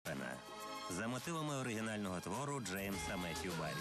За мотивами оригінального твору Джеймса Меттью Баррі.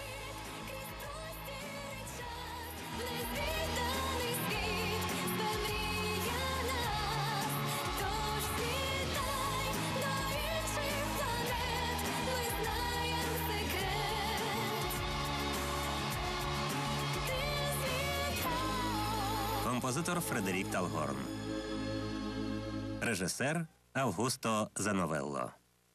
Композитор Фредерік Талгорн. Режисер Августо Зановелло.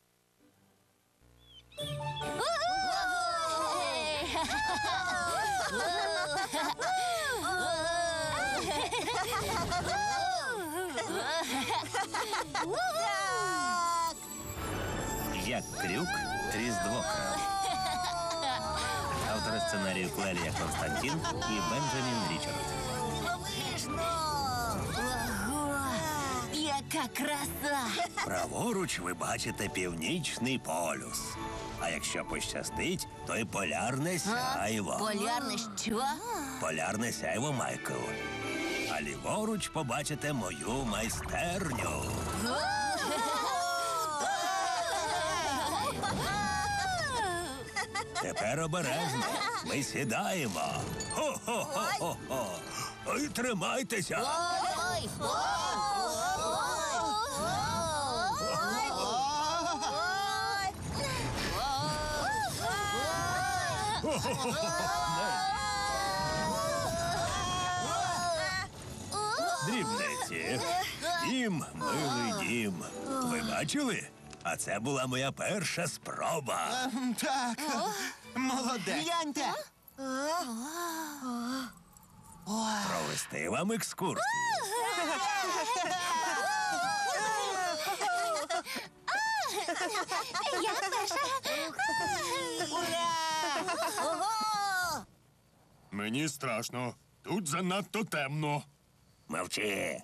Як Крюк Різдвокрал. Автори сценарію Клелія Константін і Бенджамін Річардс. Ого! Яка краса! Праворуч ви бачите північний полюс. А якщо пощастить, то й полярне сяйво. Полярне що? Полярне сяйво, Майкл. А ліворуч побачите мою майстерню. Тепер обережно. Ми сідаємо. Хо-хо-хо-хо-хо. Ой, тримайтеся. Ой! Дрібниці. Дім, милий дім. Ви бачили? А це була моя перша спроба. Так, молодець. Гляньте! Провести вам екскурсію. Я перша! Ого! Мені страшно. Тут занадто темно. Мовчи.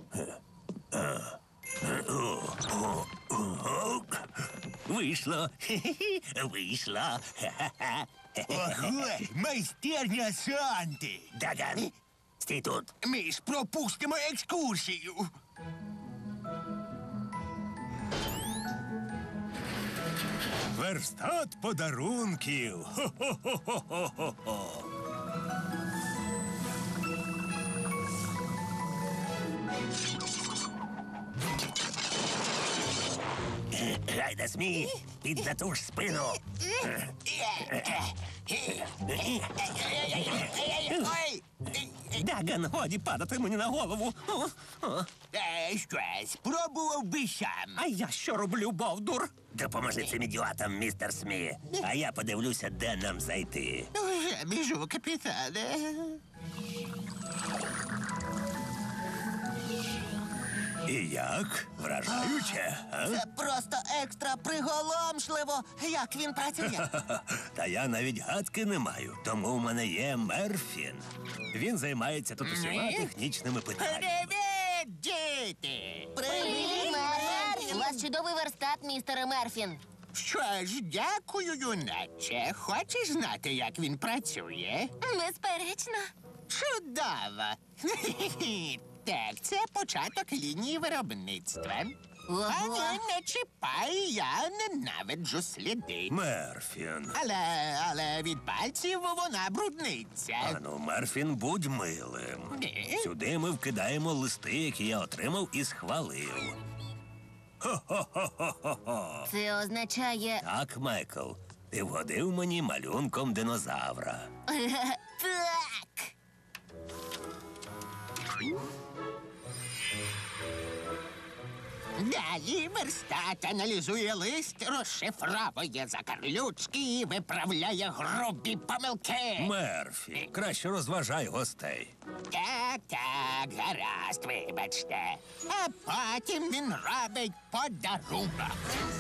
Вийшло. Вийшло. Ого, майстерня Санти. Даган, стій тут. Ми ж пропустимо екскурсію. Верстат подарунків. Хо-хо-хо-хо-хо-хо. Гайда, Смі, під затуж спину. Ой, Даган, годі падати мені на голову. щось, пробував би сам. А я що роблю, бовдур? Допоможи цим ідіотам, містер Смі. А я подивлюся, де нам зайти. Вже біжу, капітане. І як? Вражаюче, а? Це просто екстра приголомшливо, як він працює. Та я навіть гадки не маю, тому в мене є Мерфін. Він займається тут усіма технічними питаннями. Привіт, діти! Привіт, Мерфін! У вас чудовий верстат, містере Мерфін. Що ж, дякую, юначе. Хочеш знати, як він працює? Безперечно. Чудово! Так, це початок лінії виробництва. Ого. А не чіпай, я ненавиджу сліди. Мерфін. Але від пальців вона брудниться. Ану, Мерфін, будь милим. Ні. Сюди ми вкидаємо листи, які я отримав і схвалив. Хо-хо-хо-хо-хо. Це означає... Так, Майкл, ти вгодив мені малюнком динозавра. Так! Далі верстат аналізує лист, розшифровує закарлючки і виправляє грубі помилки. Мерфі, краще розважай гостей. Так, гаразд, вибачте. А потім він робить подарунок.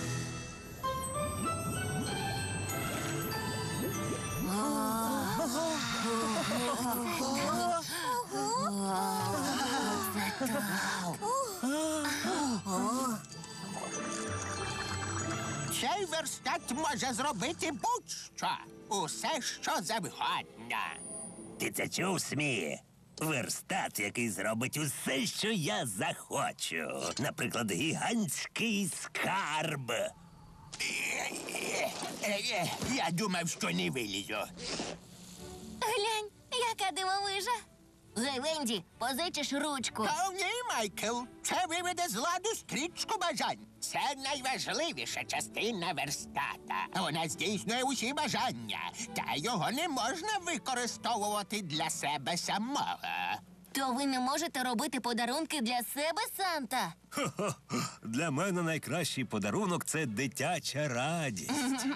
Цей верстат може зробити будь-що. Усе, що завгодно. Ти це чув, Смі? Верстат, який зробить усе, що я захочу. Наприклад, гігантський скарб. Я думав, що не вилізу. Глянь, яка дивовижа. Гей, Венді, позичиш ручку. О, ні, Майкл, це виведе з ладу стрічку бажань. Це найважливіша частина верстата. Вона здійснює усі бажання, та його не можна використовувати для себе самого. То ви не можете робити подарунки для себе, Санта? Хо-хо. Для мене найкращий подарунок це дитяча радість.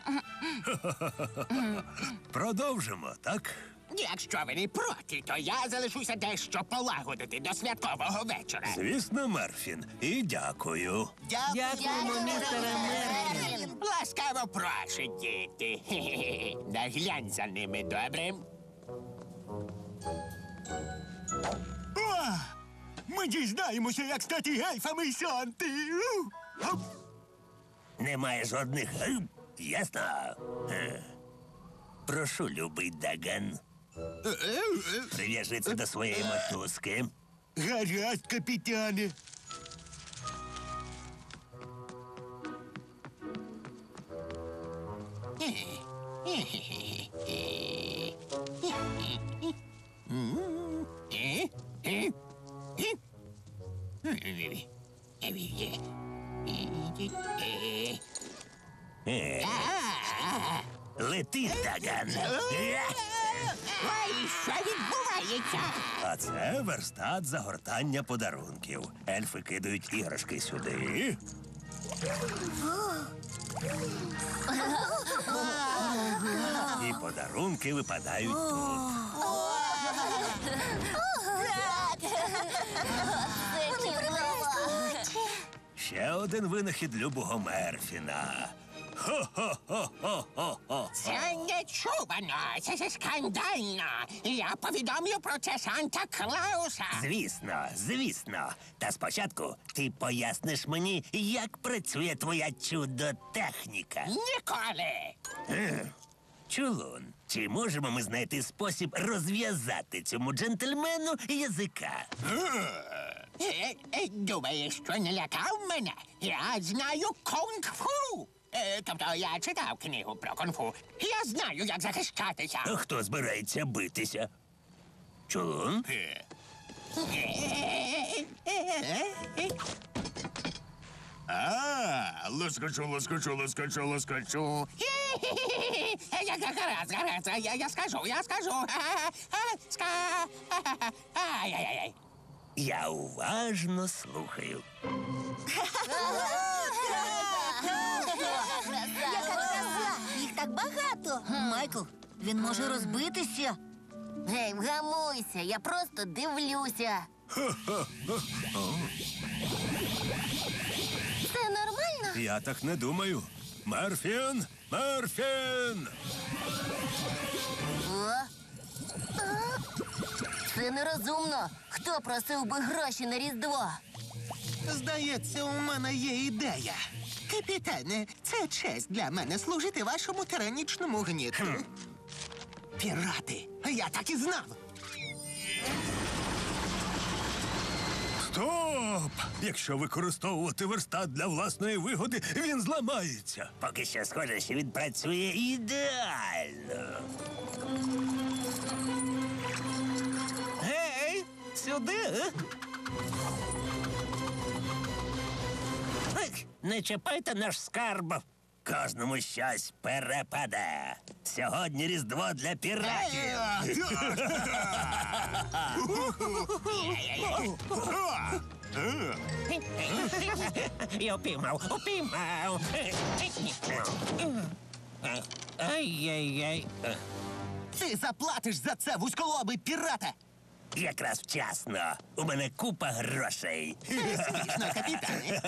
Продовжимо, так? Якщо ви не проти, то я залишуся дещо полагодити до святкового вечора. Звісно, Мерфін. І дякую. Дякуємо, містере Мерфін. Ласкаво прошу, діти. Хе-хе-хе. Наглянь за ними, добре? Ми дізнаємося, як стати гельфами й Санти. Немає жодних. Ясно. Прошу, любий Даган. Прив'яжи це до своєї мотузки. Гаразд, капітане. Лети, Даган. Ой, що відбувається? А це верстат загортання подарунків. Ельфи кидають іграшки сюди. І подарунки випадають тут. Це чудово. Ще один винахід любого Мерфіна. Хо-хо-хо-хо-хо-хо. Це нечувано, це скандально. Я повідомлю про це Санта-Клауса. Звісно, звісно. Та спочатку ти поясниш мені, як працює твоя чудо-техніка. Ніколи. Чулун, чи можемо ми знайти спосіб розв'язати цьому джентльмену язика? Думаєш, що не лякав мене? Я знаю кунг-фу. Тобто я читав книгу про кунг-фу. Я знаю, як захищатися. А хто збирається битися? Чулун? Лоскочу. Гаразд, я скажу. Ай-яй-яй. Я уважно слухаю. Яка краса! Їх так багато. Майкл, він може розбитися. Гей, вгамуйся, я просто дивлюся. Це нормально? Я так не думаю. Мерфін! Мерфін! Це нерозумно. Хто просив би гроші на Різдво? Здається, у мене є ідея. Капітане, це честь для мене служити вашому тиранічному гніту. Пірати, я так і знав. Стоп! Якщо використовувати верстат для власної вигоди, він зламається. Поки що схоже, що він працює ідеально. Гей, сюди. Не чіпайте наш скарб. Кожному щось перепаде. Сьогодні Різдво для піратів. Я упіймав. Ай-яй-яй. Ти заплатиш за це, вузьколобий пірата! Якраз вчасно. У мене купа грошей. Звісно, капітане.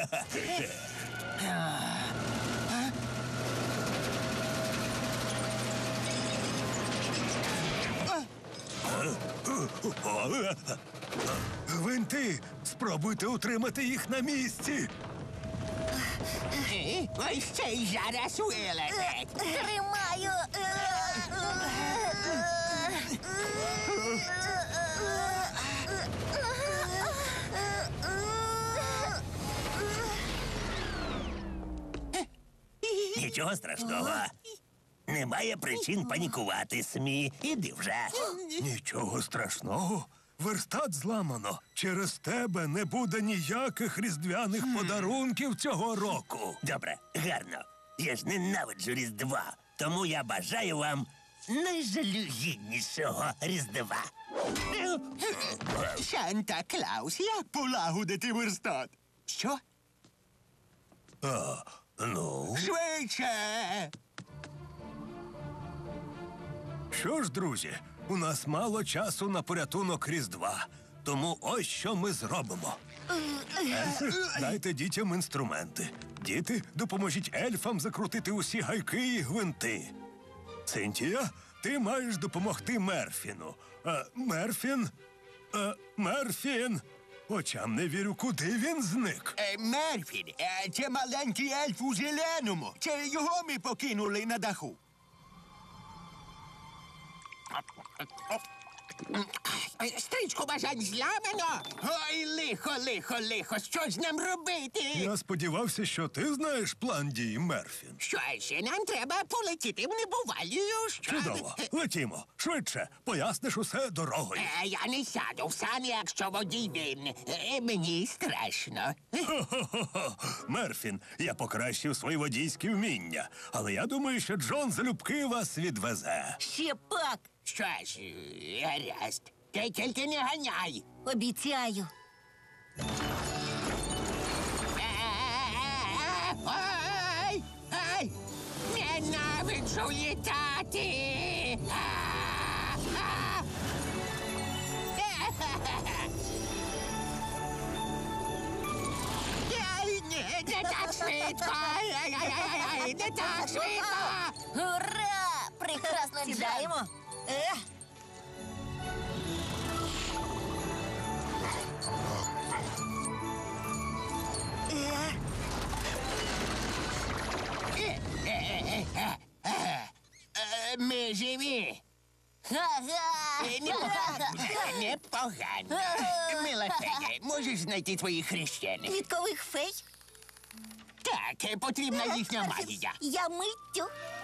Гвинти, спробуйте утримати їх на місці. Ой, ще й зараз вилетить. Тримаю. Нічого страшного. Немає причин панікувати, СМІ. Іди вже. Нічого страшного. Верстат зламано. Через тебе не буде ніяких різдвяних подарунків цього року. Добре, гарно. Я ж ненавиджу Різдва. Тому я бажаю вам найжалюгіднішого Різдва. Санта-Клаус, як полагодити верстат? Що? Ну, Швидше! що ж, друзі, у нас мало часу на порятунок Різдва. Тому ось що ми зробимо. Дайте дітям інструменти. Діти, допоможіть ельфам закрутити усі гайки і гвинти. Цинтія, ти маєш допомогти Мерфіну. Мерфін? Мерфін! Очам не вірю, куди він зник. Мерфін, це маленький ельф у зеленому. Це його ми покинули на даху. Стрічку бажань зламано. Ой, лихо, що ж нам робити? Я сподівався, що ти знаєш план дій, Мерфін. Що ще нам треба полетіти в небувалію? Чудово. Летімо. Швидше. Поясниш усе дорогою. Я не сяду в сані, якщо водій він. Мені страшно. Хо-хо-хо. Мерфін, я покращив свої водійські вміння. Але я думаю, що Джон залюбки вас відвезе. Ще пак. Що ж, гаразд. Ти тільки не ганяй. Обіцяю. Ай! Ай! Ненавиджу літати! Ай, ні, не так швидко! Ай, не так швидко! Ура! Прекрасно сідаємо. Ми живі! Ага. Непогано. Мила фея, можеш знайти твоїх хрещених? Квіткових фей? Так, потрібна їхня магія. Я миттю.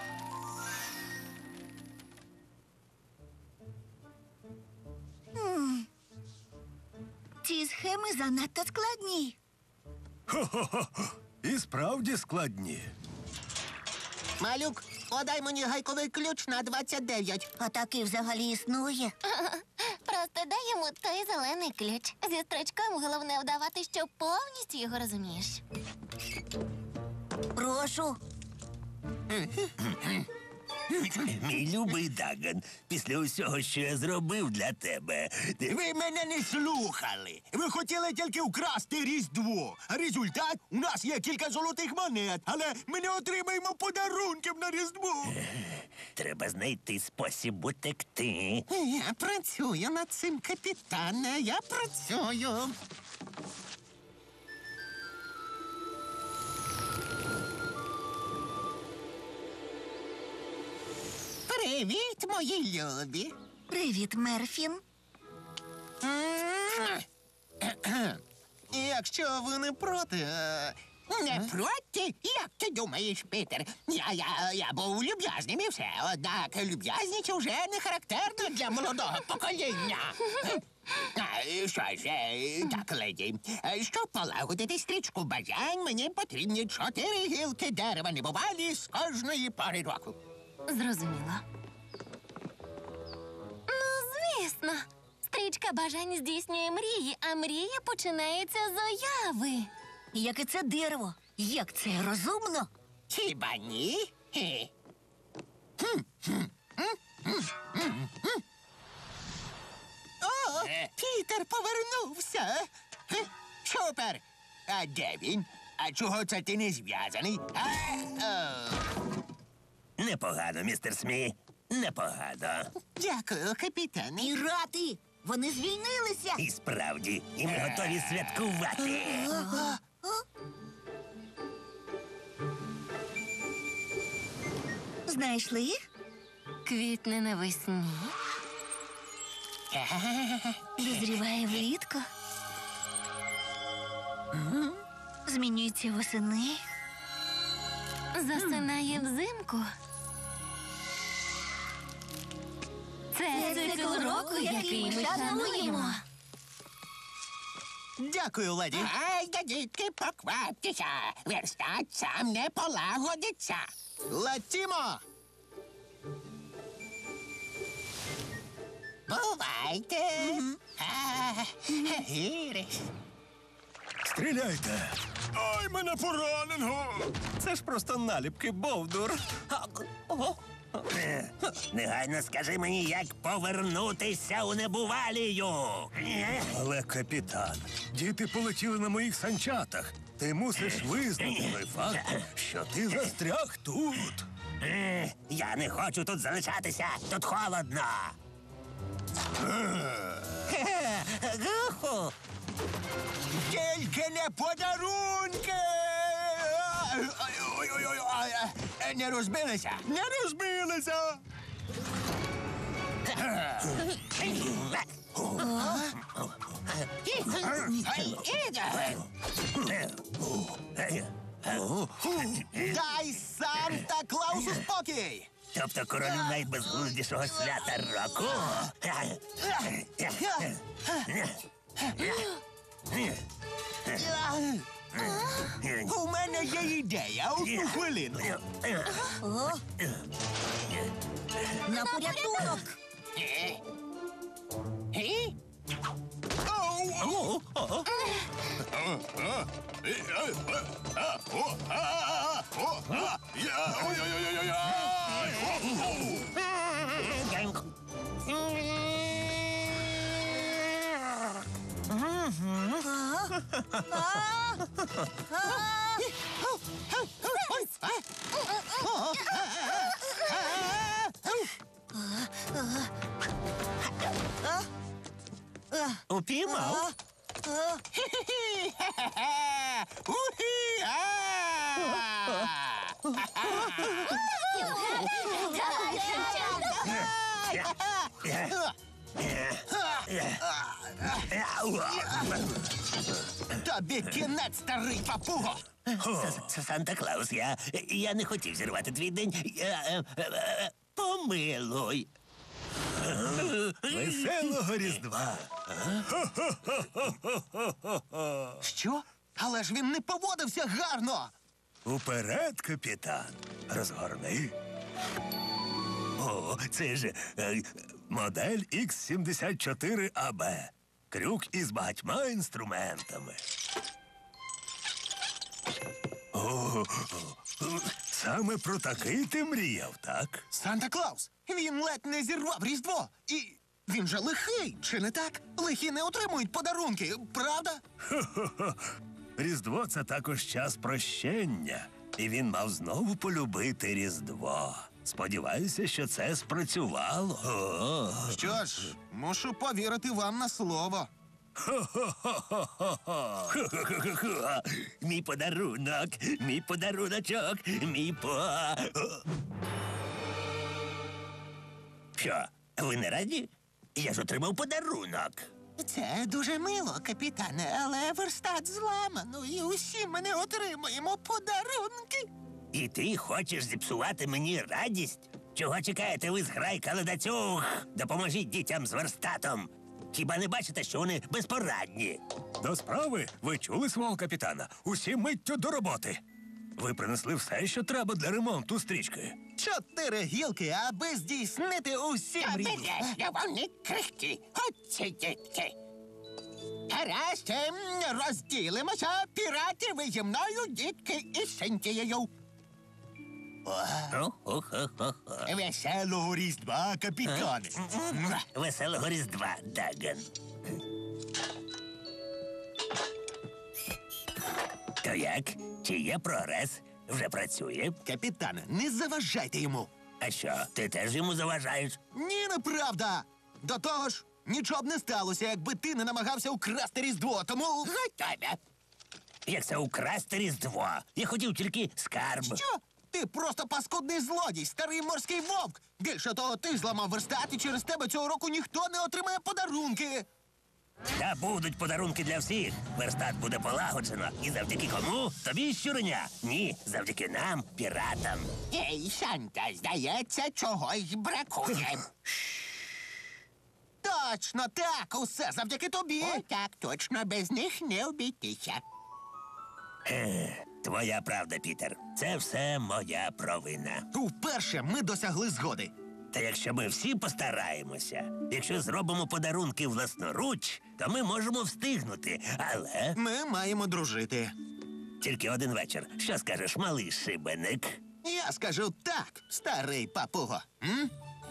Ці схеми занадто складні. Хо-хо-хо. І справді складні. Малюк, подай мені гайковий ключ на 29. А такий взагалі існує. Просто дай йому той зелений ключ. Зі строчком головне вдавати, що повністю його розумієш. Прошу. Мій любий Даган, після усього, що я зробив для тебе, ти Ви мене не слухали. Ви хотіли тільки вкрасти Різдво. А результат – у нас є кілька золотих монет, але ми не отримаємо подарунків на Різдво. треба знайти спосіб утекти. Я працюю над цим, капітане, я працюю. Привіт, мої любі. Привіт, Мерфін. Якщо ви не проти, Не проти? Як ти думаєш, Пітер? Я був люб'язним і все. Однак люб'язність уже не характерна для молодого покоління. Що ж, так, леді, щоб полагодити стрічку бажань, мені потрібні 4 гілки дерева небувалі з кожної пори року. Зрозуміло. Ну, звісно. Стрічка бажань здійснює мрії, а мрія починається з уяви. Як і це дерево. Як це розумно? Хіба ні? Хе. О, Пітер повернувся. Супер! А де він? А чого це ти не зв'язаний? Непогано, містер СМІ. Непогано. Дякую, капітане. Пірати! Вони звільнилися! І справді, і ми готові святкувати. Знайшли їх? Квітне навесні. Дозріває влітку. Змінюється восени. Засинає взимку. Це цикл року, який ми шануємо. Дякую, леді. Ай, да дітки, покваптеся. Верстат сам не полагодиться. Летімо! Бувайте. Гіриш. Стріляйте! Ай, мене поранено! Це ж просто наліпки, Бовдур. Негайно скажи мені, як повернутися у небувалію. Але, капітан, діти полетіли на моїх санчатах. Ти мусиш визнати той факт, що ти застряг тут. Я не хочу тут залишатися, тут холодно. Тільки не подарунки! Ой-ой-ой, не розбилися? Не розбилися! Дай Санта-Клаусу спокій! Тобто королю найбезглуздішого свята року? У мене є ідея, одну хвилину. На порятунок! Упіймав? Тобі кінець, старий папуго! Санта-Клаус, я не хотів зірвати твій день. Помилуй. Веселого Різдва! Що? Але ж він не поводився гарно! Уперед, капітан! Розгорни. О, це ж модель X74AB. Крюк із багатьма інструментами. О, саме про такий ти мріяв, так? Санта-Клаус! Він ледь не зірвав Різдво! І він же лихий, чи не так? Лихі не отримують подарунки, правда? Різдво — це також час прощення. І він мав знову полюбити Різдво. Сподіваюся, що це спрацювало. О. Що ж, мушу повірити вам на слово. Хо-хо-хо-хо. Мій подарунок, мій подаруночок, мій Що, ви не раді? Я ж отримав подарунок. Це дуже мило, капітане, але верстат зламано, і усі ми не отримуємо подарунки. І ти хочеш зіпсувати мені радість? Чого чекаєте ви, зграйка ледацюг? Допоможіть дітям з верстатом. Хіба не бачите, що вони безпорадні? До справи, ви чули свого капітана? Усі миттю до роботи. Ви принесли все, що треба для ремонту стрічки. 4 гілки, аби здійснити усі мрії. Обережно, вони крихкі. Оці дітки. Гаразд, розділимося. Пірати, ви зі мною, дітки, із Синтією. Веселого Різдва, капітане. Веселого Різдва, Даган. То як? Чи є прогрес? Вже працює? Капітане, не заважайте йому. А що, ти теж йому заважаєш? Ні, неправда. До того ж, нічого б не сталося, якби ти не намагався украсти Різдво, тому... Готове. Як це украсти Різдво? Я хотів тільки скарб. Що? Ти просто паскудний злодій, старий морський вовк. Більше того, ти зламав верстат, і через тебе цього року ніхто не отримає подарунки. Та будуть подарунки для всіх. Верстат буде полагоджено. І завдяки кому? Тобі, щуреня? Ні, завдяки нам, піратам. Ей, Санта, здається, чогось бракує. Точно, так, усе завдяки тобі. О, так, точно, без них не обійтися. Твоя правда, Пітер. Це все моя провина. Уперше ми досягли згоди. Та якщо ми всі постараємося, якщо зробимо подарунки власноруч, то ми можемо встигнути. Але Ми маємо дружити. тільки один вечір. Що скажеш, малий шибеник? Я скажу так, старий папуго. М?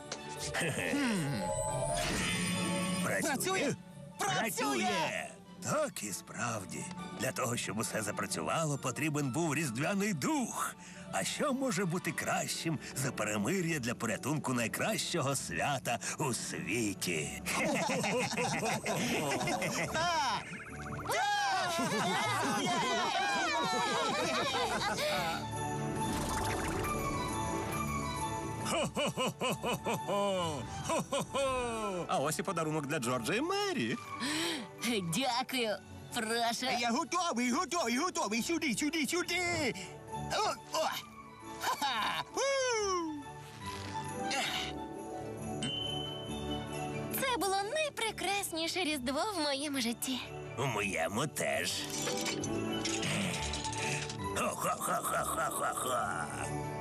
Працює? Працює! Так і справді. Для того, щоб усе запрацювало, потрібен був різдвяний дух. А що може бути кращим за перемир'я для порятунку найкращого свята у світі? А ось і подарунок для Джорджа і Мері. Дякую. Прошу. Я готовий, готовий, готовий. Сюди, сюди, сюди. О! Ха-ха! У! Це було найпрекрасніше Різдво в моєму житті. У моєму теж. Хо-хо-хо-хо-хо-хо-хо.